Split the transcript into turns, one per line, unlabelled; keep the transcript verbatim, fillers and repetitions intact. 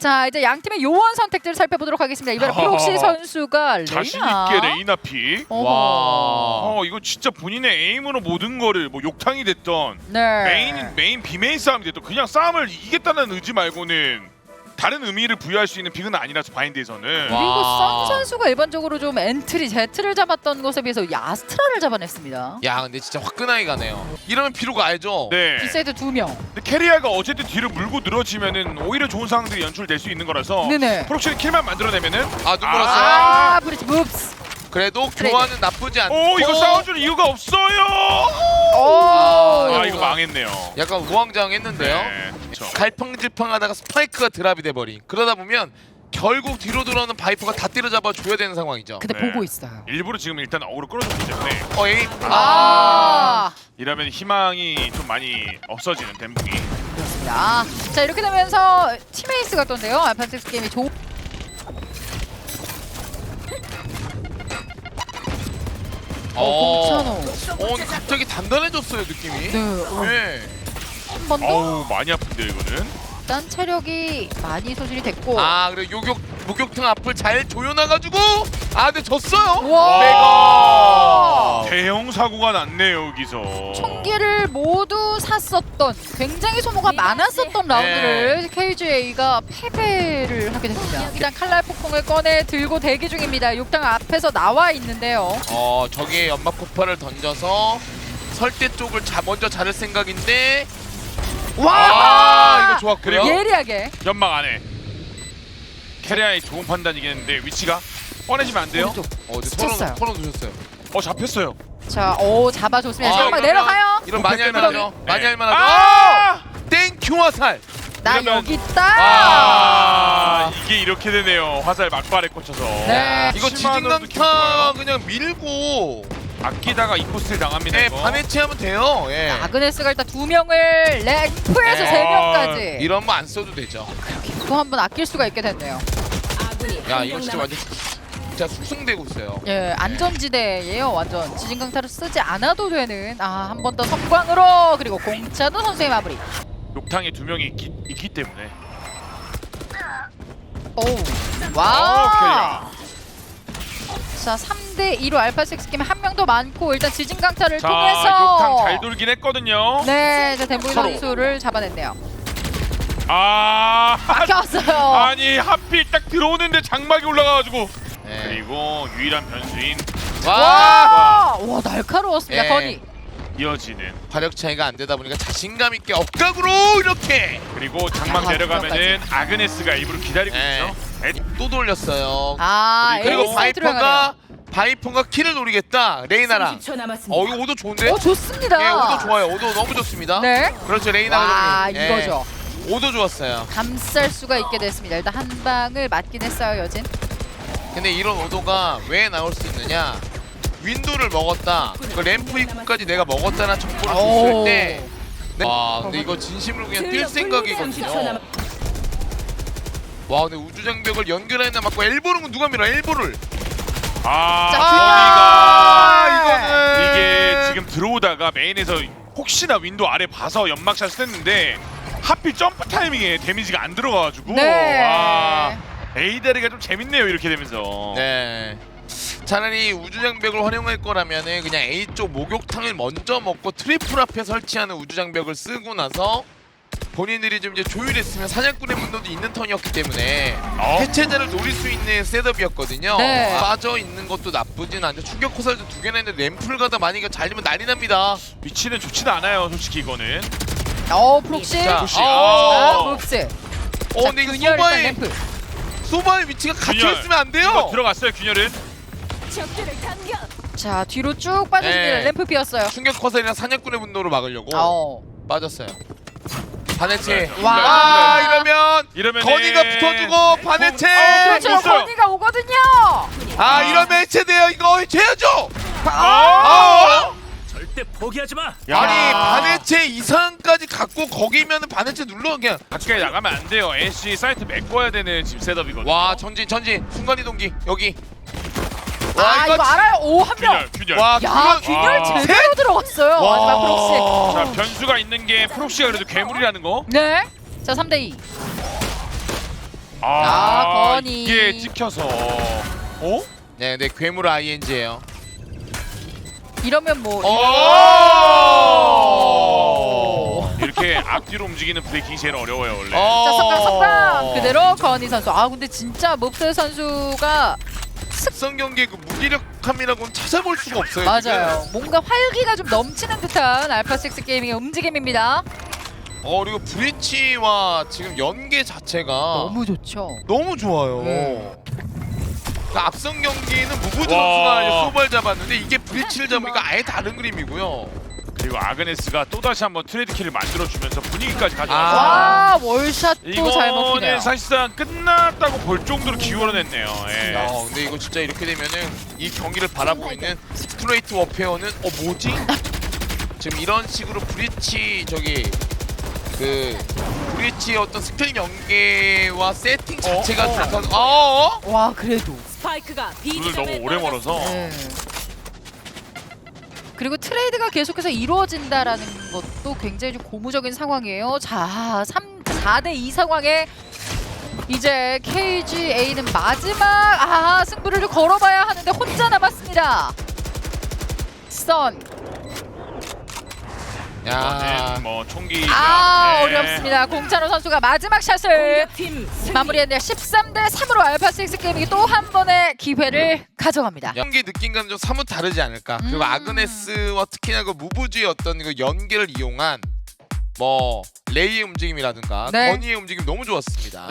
자 이제 양 팀의 요원 선택들을 살펴보도록 하겠습니다. 이번에 프록시 선수가 레이나.
자신 있게 레이나 픽.
어허.
와.
어 이거 진짜 본인의 에임으로 모든 거를 뭐 욕탕이 됐던
네.
메인 메인 비메인 싸움이 됐던 그냥 싸움을 이기겠다는 의지 말고는 다른 의미를 부여할 수 있는 픽은 아니라서 바인드에서는.
그리고
와.
선 선수가 일반적으로 좀 엔트리 제트를 잡았던 것에 비해서 야스트라를 잡아냈습니다.
야 근데 진짜 화끈하게 가네요. 이러면 비로가 알죠.
네.
비사이드 두 명.
근데 캐리아가 어쨌든 뒤를 물고 늘어지면은 오히려 좋은 상황들이 연출될 수 있는 거라서.
네네.
프록시는 킬만 만들어내면은.
아 눈 멀었어요.
아 브리지 묵스.
그래도
트레이드.
교환은 나쁘지 않고.
오 이거 싸워줄 이유가 없어요.
오.
아 이거 망했네요.
약간 우왕좌왕했는데요.
네. 그렇죠.
갈팡질팡하다가 스파이크가 드랍이 돼버린. 그러다 보면 결국 뒤로 돌아오는 바이퍼가 다 때려잡아 줘야 되는 상황이죠.
근데
네.
보고 있어요.
일부러 지금 일단 어그로 끌어줬기 때문에
어 에임.
아.
이러면 희망이 좀 많이 없어지는 덴붕이.
그렇습니다. 자 이렇게 되면서 팀에이스가 떴는데요. 알파텍스 게임이 조. 어, 공찬호.
어, 근데 갑자기 단단해졌어요 느낌이.
네. 어,
네.
한 번 더.
어우 많이 아픈데 이거는.
일단 체력이 많이 소진이 됐고.
아 그리고 요격 목욕탕 앞을 잘 조여놔가지고 아 근데 졌어요.
와.
대형 사고가 났네요 여기서.
총기를 모두 샀었던 굉장히 소모가 많았었던 라운드를 케이지에이가 패배를 하게 됐습니다. 일단 칼날 폭풍을 꺼내 들고 대기 중입니다. 욕탕 앞에서 나와 있는데요.
어 저기에 연막 폭발을 던져서 설대 쪽을 자, 먼저 자를 생각인데
와!
아 이거 좋았고요.
예리하게.
연막 안에. 캐리아의 좋은 판단이겠는데 위치가 뻔해지면 안 돼요.
오른쪽.
어 근데 털어
스쳤어요.
털어 두셨어요.
어 잡혔어요.
자, 오 잡아줬습니다. 잠깐만
이러면-
내려가요.
이런 많이
오펜
할만하죠.
때문에.
많이
네.
할만하죠.
아!
땡큐 화살.
나
이러면-
여기 있다.
아 이게 이렇게 되네요. 화살 막발에 꽂혀서.
네.
이거
칠만 원도
지진강타 그냥 밀고
아끼다가 이코스를 당합니다.
예,
이거.
반해체하면 돼요. 예.
아그네스가 일단 두 명을 램프에서
네.
세 명까지
이런 거 안 써도 되죠.
또 한 번 아낄 수가 있게 됐네요.
야 이거 진짜 완전 진짜 숙성되고 있어요.
예, 안전지대예요. 완전 지진강타를 쓰지 않아도 되는. 아, 한 번 더 성광으로 그리고 공차도 선수의 마무리.
욕탕에 두 명이 있기, 있기 때문에.
오,
어,
와. 자, 삼 대 이로 알파식스 게임 한 명 더 많고 일단 지진강타를
자
통해서
욕탕 잘 돌긴 했거든요.
네, 자 덴보이
서로.
선수를 잡아냈네요.
아
막혀왔어요.
아니 하필 딱 들어오는데 장막이 올라가가지고.
예.
그리고 유일한 변수인
와
와, 와 날카로웠습니다.
예.
건이.
이어지는.
화력 차이가 안 되다 보니까 자신감 있게 억각으로 이렇게
그리고 장막
아,
내려가면은 아그네스가 일부러 기다리고
예.
있죠. 에,
또 돌렸어요.
아,
그리고
에이스 사이트로
바이퍼가 바이퍼가 킬을 노리겠다. 레이나랑.
삼십 초 남았습니다.
어 이거 오도 좋은데?
오, 좋습니다.
예, 오도 좋아요. 오도 너무 좋습니다.
네.
그렇죠. 레이나가
와,
정리. 예.
이거죠.
오도 좋았어요.
감쌀 수가 있게 됐습니다. 일단 한 방을 맞긴 했어요, 여진.
근데 이런 오도가 왜 나올 수 있느냐? 윈도를 먹었다. 그 램프 입구까지 내가 먹었다는 정보를 줬을 때. 네. 와, 근데 이거 진심으로 그냥 뛸
삼십 초
생각이거든요.
남았-
와, 근데 우주장벽을 연결했나 맞고 엘보는 누가 밀어? 엘보를.
아
자,
건이가
이거는
이게 지금 들어오다가 메인에서 혹시나 윈도 아래 봐서 연막샷을 했는데 하필 점프 타이밍에 데미지가 안 들어가가지고.
네.
와 에이다리가 좀 재밌네요 이렇게 되면서.
네. 차라리 우주장벽을 활용할 거라면은 그냥 A 쪽 목욕탕을 먼저 먹고 트리플 앞에 설치하는 우주장벽을 쓰고 나서 본인들이 좀 이제 조율했으면 사냥꾼의 분노도 있는 턴이었기 때문에
어?
해체자를 노릴 수 있는 셋업이었거든요.
네.
빠져 있는 것도 나쁘진 않죠. 충격 호살도 두 개나 했는데 램플 가다 많이 잘리면 난리 납니다.
위치는 좋지는 않아요 솔직히 이거는.
어, 프록시.
자,
혹시-
아,
어.
프록시.
어, 근데 이거
균열 일단
소바의
램프.
소바의 위치가 같이
균열.
있으면 안 돼요.
이거 들어갔어요 균열은.
적들을 당겨.
자, 뒤로 쭉 빠졌습니다.
네.
램프 비었어요.
충격 화살이랑 사냥꾼의 분노를 막으려고
어.
빠졌어요. 반해체.
네.
와.
아, 이러면
이러면
건이가 붙어주고 반해체.
어,
그렇죠.
못 써요.
건이가 오거든요.
아, 이러면 해체돼요. 이거 해야죠.
아!
아!
절대 포기하지 마.
야.
아니 반해체 이상까지 갖고 거기면은 반해체 눌러 그냥.
가까이 나가면 안 돼요. 애쉬 사이트 메꿔야 되는 지금 셋업이거든요.
와 전진 전진 순간이동기 여기.
아, 이거,
진-
알아요. 오, 한 명.
균열 균열.
와
야,
균열-
균열
와.
제대로 들어갔어요.
와.
마지막 프록시.
자 변수가 있는 게 프록시가 그래도 괴물이라는 거.
네. 자, 삼 대 이.
아,
건이.
이게 찍혀서. 어?
네, 네 괴물 아이엔지예요.
이러면 뭐
오!
이렇게 앞뒤로 움직이는 브레이킹이 제일 어려워요 원래.
어.
자, 석강 석강 그대로 건희 선수. 아 근데 진짜 몹스 선수가
특성 경기의 그 무기력함이라고는 찾아볼 수가 없어요.
맞아요. 뭔가 활기가 좀 넘치는 듯한 알파식스 게이밍의 움직임입니다.
지금. 어 그리고 브리치와 지금 연계 자체가
너무 좋죠.
너무 좋아요.
네.
그러니까 앞선 경기는 무브즈
와.
선수가 소발 잡았는데 이게 브리치를 잡으니까 아예 다른 그림이고요.
그리고 아그네스가 또 다시 한번 트레이드 킬을 만들어주면서 분위기까지 가져와서
아.
와 월샷도 잘 먹히네요.
이거는 사실상 끝났다고 볼 정도로 기울어냈네요. 예.
야, 근데 이거 진짜 이렇게 되면은 이 경기를 바라보고 있는 스트레이트 워페어는 어 뭐지? 지금 이런 식으로 브리치 저기 그 브리치의 어떤 스킬 연계와 세팅 자체가
어, 어.
좋다서 어? 어?
와 그래도.
스파이크가 B
눈을
지점에
너무 오래 멀어서
네. 그리고 트레이드가 계속해서 이루어진다라는 것도 굉장히 좀 고무적인 상황이에요. 자, 삼, 사 대 이 상황에 이제 케이지에이는 마지막 아 승부를 좀 걸어봐야 하는데 혼자 남았습니다. 선.
야.
이거는 뭐 총기
아
네.
어렵습니다. 공찬호 선수가 마지막 샷을
공격팀 승리.
마무리했네요. 십삼 대 삼으로 알파식스 게이밍이 또 한 번의 기회를 가져갑니다.
연기 느낌과는 좀 사뭇 다르지 않을까. 그리고
음.
아그네스와 특히나 그 무브즈의 어떤 그 연계를 이용한 뭐 레이의 움직임이라든가
네.
건이의 움직임 너무 좋았습니다.